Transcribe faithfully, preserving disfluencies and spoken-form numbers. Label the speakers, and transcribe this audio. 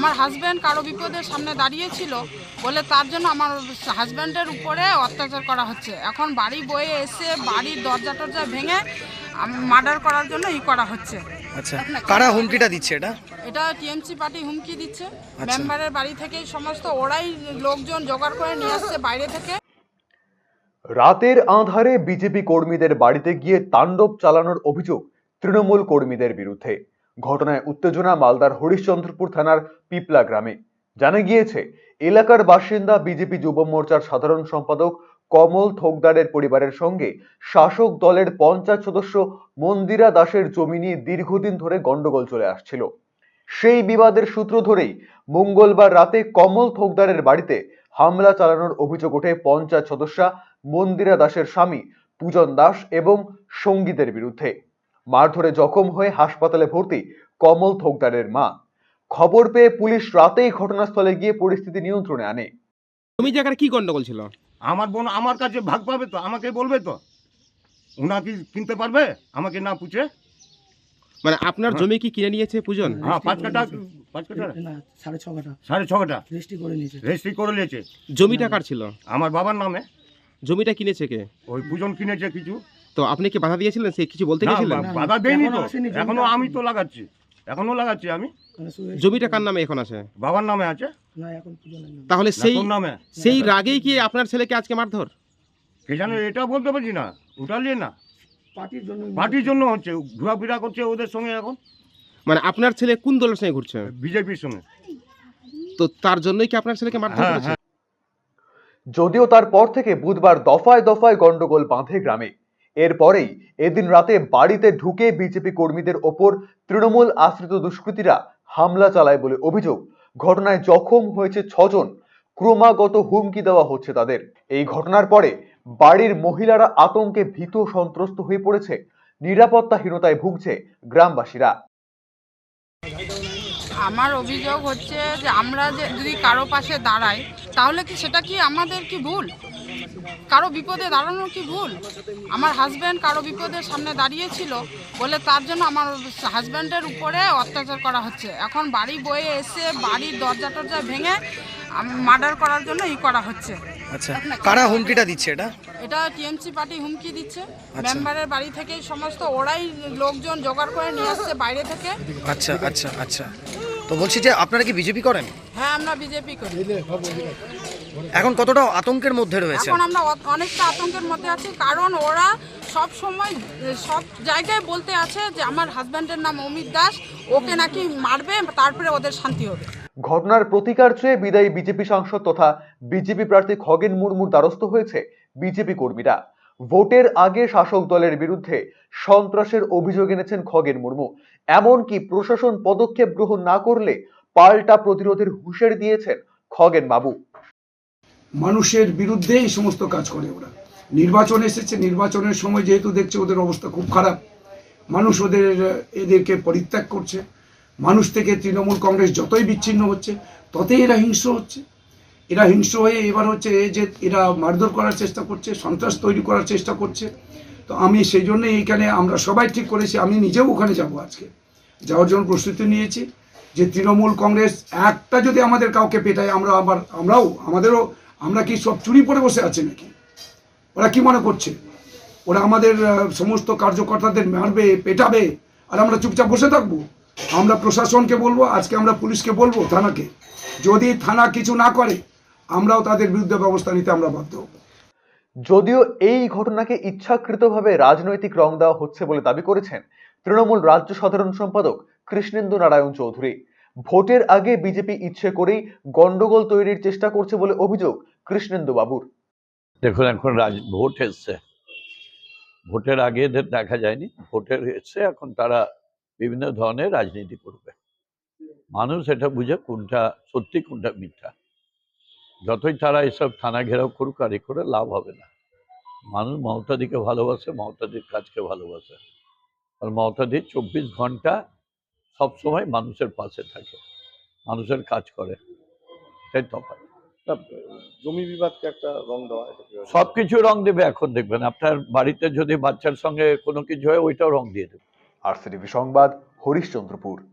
Speaker 1: আমার হাজব্যান্ড কারো বিপদের সামনে দাঁড়িয়েছিল বলে তার জন্য আমার হাজব্যান্ডের উপরে অত্যাচার করা হচ্ছে। এখন বাড়ি বয়ে এসে বাড়ির দরজা টরজা ভেঙে মার্ডার করার জন্য ই করা হচ্ছে।
Speaker 2: আচ্ছা, কারা হুমকিটা দিচ্ছে এটা?
Speaker 1: এটা টিএমসি পার্টি হুমকি দিচ্ছে। মেম্বারের বাড়ি থেকে সমস্ত ওরাই লোকজন জোগাড় করে নিয়ে আসছে বাইরে থেকে।
Speaker 3: রাতের আঁধারে বিজেপি কর্মীদের বাড়িতে গিয়ে তাণ্ডব চালানোর অভিযোগ তৃণমূল কর্মীদের বিরুদ্ধে। ঘটনায় উত্তেজনা মালদার হরিশ্চন্দ্রপুর থানার পিপলা গ্রামে। জানা গিয়েছে, এলাকার বাসিন্দা বিজেপি যুব মোর্চার সাধারণ সম্পাদক কমল থোকদারের পরিবারের সঙ্গে শাসক দলের পঞ্চায়েত সদস্য মন্দিরা দাসের জমি নিয়ে দীর্ঘদিন ধরে গন্ডগোল চলে আসছিল। সেই বিবাদের সূত্র ধরেই মঙ্গলবার রাতে কমল থোকদারের বাড়িতে হামলা চালানোর অভিযোগ ওঠে পঞ্চায়েত সদস্যা মন্দিরা দাসের স্বামী পূজন দাস এবং সঙ্গীতের বিরুদ্ধে। মারধরে জখম হয়ে হাসপাতালে ভর্তি কমল থোকদারের মা। খবর পেয়ে পুলিশ রাতেই ঘটনাস্থলে গিয়ে পরিস্থিতি নিয়ন্ত্রণে আনে।
Speaker 4: তুমি জায়গায় কি গন্ডগোল ছিল?
Speaker 5: আমার বোন আমার কাছে ভাগ পাবে তো, আমাকে বলবে তো, উনা কি কিনতে পারবে আমাকে না পুছে?
Speaker 4: মানে আপনার জমি কি কিনে নিয়েছে পূজন?
Speaker 5: হ্যাঁ, পাঁচ কাটা পাঁচ কাটা
Speaker 6: না সাড়ে ছ কাটা
Speaker 5: সাড়ে ছ কাটা
Speaker 6: রেজিস্ট্রি করে নিয়েছে।
Speaker 5: রেজিস্ট্রি করে নিয়েছে।
Speaker 4: জমিটা কার ছিল?
Speaker 5: আমার বাবার নামে।
Speaker 4: জমিটা কিনেছে কে?
Speaker 5: ওই পূজন কিনেছে কিছু।
Speaker 4: তো আপনি কি বাধা দিয়েছিলেন? সে কিছু বলতে
Speaker 5: না,
Speaker 4: গেছিলেন?
Speaker 5: বা- বাধা দেয়নি তো,
Speaker 6: এখনো আসেনি, জমিটা
Speaker 5: এখনো আমি
Speaker 6: আসেনি।
Speaker 5: তো লাগাচ্ছি, এখনো লাগাচ্ছি আমি।
Speaker 6: মানে শুধু-
Speaker 4: জমিটা কার নামে এখন আছে?
Speaker 5: বাবার নামে আছে।
Speaker 6: না এখন পুজো নেই।
Speaker 4: তাহলে সেই
Speaker 5: তোর নামে
Speaker 4: সেই রাগেই কি আপনার ছেলেকে আজকে মারধর?
Speaker 5: কে জানে, এটা বলতে পারছি না, ওটা নিয়ে না।
Speaker 6: পার্টির জন্য
Speaker 5: পার্টির জন্য হচ্ছে, ঘোরাফেরা করছে ওদের সঙ্গে এখন,
Speaker 4: মানে আপনার ছেলে কোন দলের সঙ্গে ঘুরছে?
Speaker 5: বিজেপির সঙ্গে।
Speaker 4: তো তার জন্যই কি আপনার ছেলেকে মারধর
Speaker 5: হ্যাঁ,
Speaker 4: করেছে?
Speaker 3: যদিও তারপর থেকে বুধবার দফায় দফায় গন্ডগোল বাঁধে গ্রামে। এরপরেই এদিন রাতে বাড়িতে ঢুকে বিজেপি কর্মীদের ওপর তৃণমূল আশ্রিত দুষ্কৃতীরা হামলা চালায় বলে অভিযোগ। ঘটনায় জখম হয়েছে ছজন। ক্রমাগত হুমকি দেওয়া হচ্ছে তাদের। এই ঘটনার পরে বাড়ির মহিলারা আতঙ্কে ভীত সন্ত্রস্ত হয়ে পড়েছে। নিরাপত্তাহীনতায় ভুগছে গ্রামবাসীরা।
Speaker 1: আমার অভিযোগ হচ্ছে যে আমরা যে যদি কারো পাশে দাঁড়াই তাহলে কি সেটা কি আমাদের কি ভুল? কারো বিপদে দাঁড়ানো কি ভুল? আমার হাজব্যান্ড কারো বিপদের সামনে দাঁড়িয়েছিল বলে তার জন্য আমার হাজব্যান্ডের উপরে অত্যাচার করা হচ্ছে। এখন বাড়ি বয়ে এসে বাড়ির দরজা টরজা ভেঙে মার্ডার করার জন্য ই করা হচ্ছে।
Speaker 2: আচ্ছা, কারা হুমকিটা দিচ্ছে এটা?
Speaker 1: এটা টিএমসি পার্টি হুমকি দিচ্ছে। মেম্বারের বাড়ি থেকে সমস্ত ওরাই লোকজন জোগাড় করে নিয়ে আসছে বাইরে থেকে।
Speaker 2: আচ্ছা আচ্ছা আচ্ছা, তো বলছি যে আপনারা কি বিজেপি করেন?
Speaker 1: হ্যাঁ, আমরা বিজেপি করি।
Speaker 2: এখন কতটা আতঙ্কের মধ্যে রয়েছে?
Speaker 1: এখন আমরা অ- অনেকটা আতঙ্কের মধ্যে আছি, কারণ ওরা সব সময় সব জায়গায় বলতে আছে যে আমার হাজব্যান্ডের নাম অমিত দাস, ওকে নাকি মারবে, তারপরে ওদের শান্তি হবে।
Speaker 3: ঘটনার প্রতিকার চেয়ে বিদায়ী বিজেপি সাংসদ তথা বিজেপি প্রার্থী খগেন মুর্মুর দ্বারস্থ হয়েছে বিজেপি কর্মীরা। ভোটের আগে শাসক দলের বিরুদ্ধে সন্ত্রাসের অভিযোগ এনেছেন খগেন মুর্মু। এমনকি প্রশাসন পদক্ষেপ গ্রহণ না করলে পাল্টা প্রতিরোধের হুঁশিয়ারি দিয়েছেন খগেন বাবু।
Speaker 7: মানুষের বিরুদ্ধে এই সমস্ত কাজ করে ওরা। নির্বাচন এসেছে, নির্বাচনের সময় যেহেতু দেখছে ওদের অবস্থা খুব খারাপ, মানুষ ওদের এদেরকে পরিত্যাগ করছে। মানুষ থেকে তৃণমূল কংগ্রেস যতই বিচ্ছিন্ন হচ্ছে ততই এরা হিংস্র হচ্ছে। এরা হিংস্র হয়ে এবার হচ্ছে যে এরা মারধর করার চেষ্টা করছে, সন্ত্রাস তৈরি করার চেষ্টা করছে। তো আমি সেই জন্য এইখানে আমরা সবাই ঠিক করেছি, আমি নিজেও ওখানে যাব, আজকে যাওয়ার জন্য প্রস্তুতি নিয়েছি, যে তৃণমূল কংগ্রেস একটা যদি আমাদের কাউকে পেটায় আমরা আবার আমরাও আমাদেরও আমরা কি সব চুরি পরে বসে আছে নাকি? ওরা কি মনে করছে ওরা আমাদের সমস্ত কার্যকর্তাদের মারবে, পেটাবে আর আমরা চুপচাপ বসে থাকবো? আমরা প্রশাসনকে বলবো, আজকে আমরা পুলিশকে বলবো, থানাকে, যদি থানা কিছু না করে আমরাও তাদের বিরুদ্ধে ব্যবস্থা নিতে আমরা বাধ্য হব।
Speaker 3: যদিও এই ঘটনাকে ইচ্ছাকৃতভাবে রাজনৈতিক রং দেওয়া হচ্ছে বলে দাবি করেছেন তৃণমূল রাজ্য সাধারণ সম্পাদক কৃষ্ণেন্দু নারায়ণ চৌধুরী। ভোটের আগে বিজেপি ইচ্ছে করেই গন্ডগোল তৈরির চেষ্টা করছে বলে অভিযোগ কৃষ্ণেন্দু বাবুর।
Speaker 8: দেখুন, এখন রাজ ভোট এসছে, ভোটের আগে এদের দেখা যায়নি, ভোটের এসছে, এখন তারা বিভিন্ন ধরনের রাজনীতি করবে। মানুষ এটা বুঝে কোনটা সত্যি কোনটা মিথ্যা। যতই তারা এসব থানা ঘেরাও করুক আর এ করে লাভ হবে না। মানুষ মমতাদিকে ভালোবাসে, মমতাদির কাজকে ভালোবাসে, আর মমতাদি চব্বিশ ঘন্টা সবসময় মানুষের পাশে থাকে, মানুষের কাজ করে, তাই তফাৎ।
Speaker 9: জমি বিবাদকে একটা রং দেওয়া,
Speaker 8: সবকিছু রং দেবে। এখন দেখবেন আপনার বাড়িতে যদি বাচ্চার সঙ্গে কোনো কিছু হয় ওইটাও রং দিয়ে দেবে।
Speaker 3: আরসিটিভি সংবাদ, হরিশ্চন্দ্রপুর।